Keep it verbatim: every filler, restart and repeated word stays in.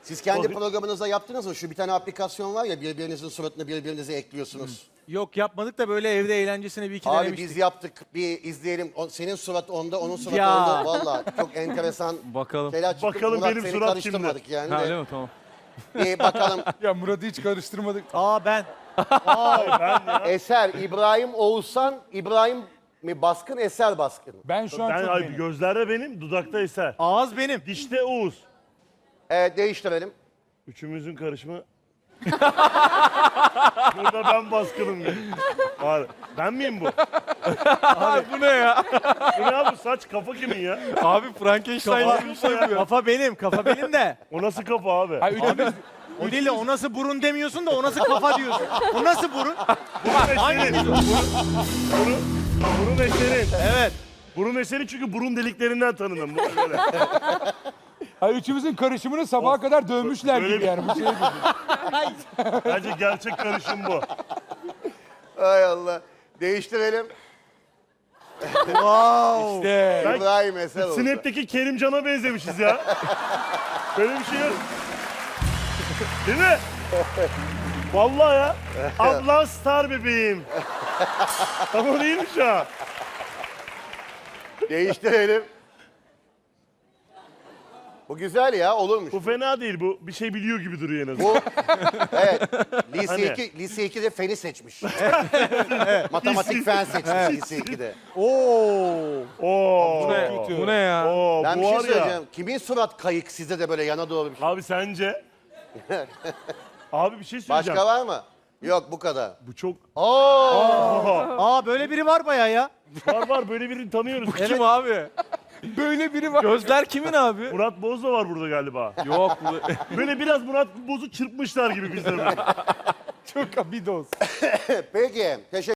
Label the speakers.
Speaker 1: Siz kendi programınızda yaptınız mı? Şu bir tane aplikasyon var ya, birbirinizin suratını birbirinize ekliyorsunuz.
Speaker 2: Yok yapmadık da böyle evde eğlencesine bir iki
Speaker 1: Abi
Speaker 2: denemiştik.
Speaker 1: biz yaptık, bir izleyelim. O- senin surat onda, onun suratı
Speaker 2: Ya.
Speaker 1: onda. Valla çok enteresan
Speaker 3: Bakalım.
Speaker 1: şeyler çıktı.
Speaker 4: Bakalım
Speaker 1: Murat,
Speaker 4: benim
Speaker 1: seni
Speaker 4: surat
Speaker 1: karıştırmadık yani.
Speaker 3: Ha
Speaker 1: de.
Speaker 3: öyle mi? Tamam.
Speaker 1: Bir bakalım.
Speaker 5: Ya Murat'ı hiç karıştırmadık.
Speaker 2: Aa ben.
Speaker 1: Eser, İbrahim Oğuzhan, İbrahim mi baskın, Eser baskın.
Speaker 5: Ben şu an
Speaker 4: Ben
Speaker 5: çok
Speaker 4: ay,
Speaker 5: benim.
Speaker 4: gözlerde benim, dudakta Eser.
Speaker 2: Ağız benim.
Speaker 4: Dişte Oğuz.
Speaker 1: Evet, değiştirelim.
Speaker 4: Üçümüzün karışımı. Burada ben baskınım. Abi, ben miyim bu?
Speaker 3: Bu ne ya?
Speaker 4: Bu ne abi, saç kafa kimin ya?
Speaker 3: Abi Frankenstein gibi bir şey yapıyor.
Speaker 2: Kafa benim. Kafa benim de.
Speaker 4: O nasıl kafa abi?
Speaker 5: Ha, üçümüz,
Speaker 2: O değil de o nasıl burun demiyorsun da o nasıl kafa diyorsun. O nasıl burun?
Speaker 4: Burun eserin. Burun, burun, burun eserin.
Speaker 2: Evet.
Speaker 4: Burun eserin çünkü burun deliklerinden tanınım. Bu böyle.
Speaker 5: ha, üçümüzün karışımını sabaha kadar dövmüşler
Speaker 4: Böyle
Speaker 5: gibi
Speaker 4: bir-
Speaker 5: yani. Bu şey değil.
Speaker 4: Bence gerçek karışım bu.
Speaker 1: Hay Allah. Değiştirelim.
Speaker 2: Wow.
Speaker 5: İşte.
Speaker 4: Ben-
Speaker 1: İbrahim Eser oldu.
Speaker 4: Snap'teki Kerimcan'a benzemişiz ya. Böyle bir şey yok. Değil mi? Vallahi ya. Ablan star bebeğim. Ama değilmiş ha.
Speaker 1: Değiştirelim. Bu güzel ya, olurmuş.
Speaker 4: Bu fena değil, bu bir şey biliyor gibi duruyor en azından.
Speaker 1: Bu, evet, lise
Speaker 4: Hani?
Speaker 1: iki, lise ikide feni seçmiş. Matematik fen seçmiş lise ikide.
Speaker 2: Oo.
Speaker 4: Oo.
Speaker 3: Bu ne?
Speaker 5: kötü.
Speaker 3: Bu ne ya?
Speaker 4: Oo,
Speaker 1: Ben
Speaker 4: bu
Speaker 1: bir şey
Speaker 4: var
Speaker 1: söyleyeceğim.
Speaker 4: ya.
Speaker 1: Kimin surat kayık sizde de böyle yana doğru bir şey?
Speaker 4: Abi sence? Abi bir şey söyleyeceğim.
Speaker 1: Başka var mı? Yok, bu kadar.
Speaker 4: Bu çok...
Speaker 1: Oo!
Speaker 2: Aa böyle biri var bayağı ya.
Speaker 4: Var var, böyle birini tanıyoruz.
Speaker 3: Kim abi?
Speaker 5: Böyle biri var.
Speaker 3: Gözler kimin abi?
Speaker 4: Murat Boz da var burada galiba.
Speaker 3: Yok. Bu...
Speaker 4: Böyle biraz Murat Boz'u çırpmışlar gibi bizlere.
Speaker 5: Çok bir doz.
Speaker 1: Peki, teşekkür